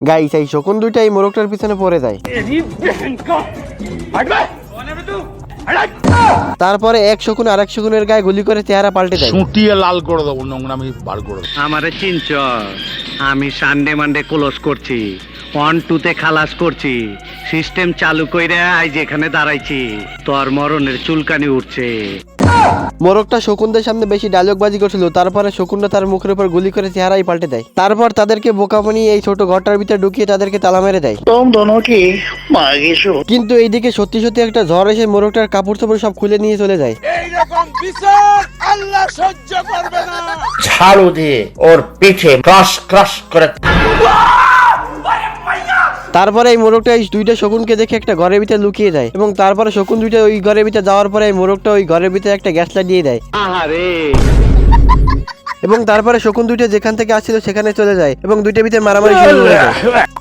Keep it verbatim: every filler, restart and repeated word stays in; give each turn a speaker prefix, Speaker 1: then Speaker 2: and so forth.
Speaker 1: Guys এই শকুন দুইটা এই মোরগটার পিছনে পড়ে যায়। তারপরে এক শকুন আরেক শকুনের গায়ে গুলি করে চেহারা পাল্টে দেয়।
Speaker 2: সুটিয়ে লাল করে দেবো, নোংরামি বার করে দেবো।
Speaker 3: আমারে চিনচ, আমি সানডে মানডে ক্লোজ করছি, ওয়ান টুতে খালাস করছি, সিস্টেম চালু কইরা আজ যেখানে দাঁড়াইছি তোর মরণের চুলকানি উঠছে।
Speaker 1: মোরগটা শকুনদের সামনে বেশি ডায়লগবাজি করছিল, তারপরে শকুনটা তার মুখের উপর গুলি করে চেহারাই পাল্টে দেয়। তারপর তাদেরকে বোকা বানিয়ে এই ছোট ঘরটার ভিতরে ঢুকিয়ে তাদেরকে তালা মেরে দেয়। কিন্তু এইদিকে সত্যি সত্যি একটা ঝড় এসে মোরগটার কাপড় চোপড় সব খুলে নিয়ে চলে যায়।
Speaker 4: ঝাড়ু দিয়ে ওর পিঠে ক্রাশ ক্রাশ করে।
Speaker 1: তারপরে এই মোরগটা এই দুইটা শকুনকে দেখে একটা ঘরের ভিতরে লুকিয়ে যায় এবং তারপরে শকুন দুইটা ওই ঘরের ভিতরে যাওয়ার পরে এই মোরগটা ওই ঘরের ভিতরে একটা গ্যাস লাইট দিয়ে দেয়।
Speaker 3: আহারে
Speaker 1: এবং তারপরে শকুন দুইটা যেখান থেকে আসছিল সেখানে চলে যায় এবং দুইটার ভিতরে মারামারি শুরু হয়ে যায়।